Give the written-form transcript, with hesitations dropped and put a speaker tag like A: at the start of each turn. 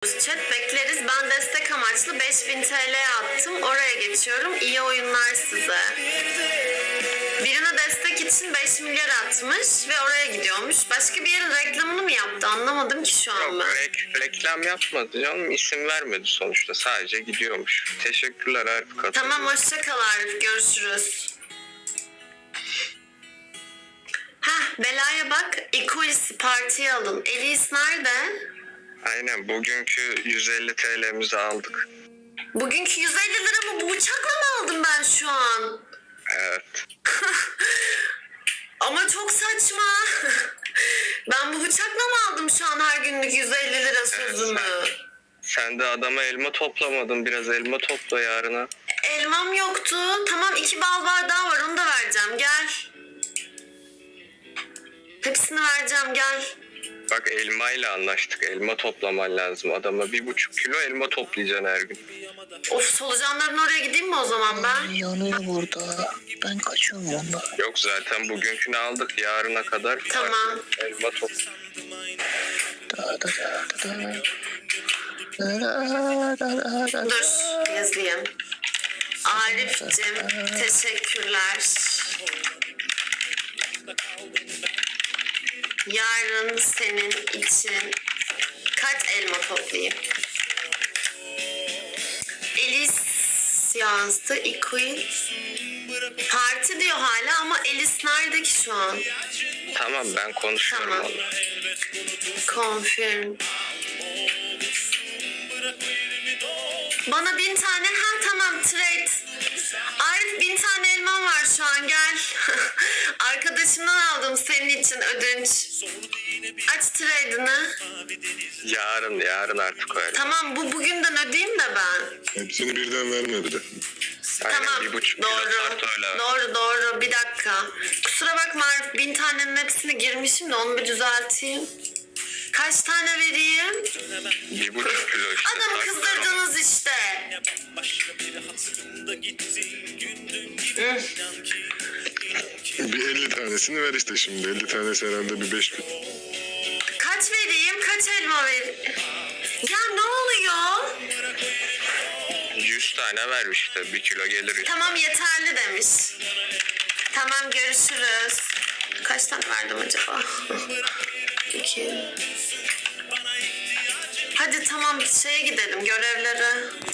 A: Chat bekleriz. Ben destek amaçlı 5000 TL attım. Oraya geçiyorum. İyi oyunlar size. Birine destek için 5 milyar atmış ve oraya gidiyormuş. Başka bir yerin reklamını mı yaptı? Anlamadım ki şu an
B: Yok,
A: ben.
B: reklam yapmadı canım. İsim vermedi sonuçta. Sadece gidiyormuş. Teşekkürler Arif katıldığın.
A: Tamam, hoşça kal Arif. Görüşürüz. Heh, belaya bak. Equalis'i partiye alın. Elis nerede?
B: Aynen, bugünkü 150 TL'mizi aldık.
A: Bugünkü 150 lira mı? Bu bıçakla mı aldım ben şu an?
B: Evet.
A: Ama çok saçma. Ben bu bıçakla mı aldım şu an her günlük 150 lira sözümü?
B: Sen de adama elma toplamadın. Biraz elma topla yarına.
A: Elmam yoktu. Tamam, 2 bal bardağı var, onu da vereceğim. Gel. Hepsini vereceğim, gel.
B: Bak, elmayla anlaştık. Elma toplaman lazım. Adama 1,5 kilo elma toplayacaksın her gün.
A: Of, solucanların oraya gideyim mi o zaman ben?
C: Yanıyor burada. Ben kaçıyorum ondan.
B: Yok, zaten bugünkünü aldık. Yarına kadar
A: Tamam.
B: elma topla.
A: Dur, yazayım. Arif'cim, teşekkürler. Yarın senin için kaç elma toplayayım? Elis yazdı. Equal. Parti diyor hala ama Elis nerede ki şu an?
B: Tamam, ben konuşuyorum
A: Tamam.
B: onunla.
A: Confirm. Bana 1000 tane. Ha tamam, trade. Arif, 1000 tane elmam var şu an, gel. Arkadaşımdan aldım senin için ödünç. Aç trade'ini.
B: Yarın artık öyle.
A: Tamam, bugünden ödeyeyim de ben.
D: Hepsini birden verme bir de.
B: Aynen,
A: Tamam,
B: 1,5 kilo tart öyle.
A: doğru, bir dakika. Kusura bakma Arif, 1000 tanenin hepsine girmişim de onu bir düzelteyim. Kaç tane vereyim?
B: 1,5 kilo işte.
A: Adamı
B: tart
A: kızdırdınız işte.
D: Bir 50 tanesini ver işte şimdi. 50 tanesi herhalde bir 5000.
A: Kaç vereyim? Kaç elma vereyim? Ya ne oluyor?
B: 100 tane ver işte. 1 kilo gelir işte.
A: Tamam, yeterli demiş. Tamam, görüşürüz. Kaç tane verdim acaba? 2. Hadi tamam, şeye gidelim, görevlere.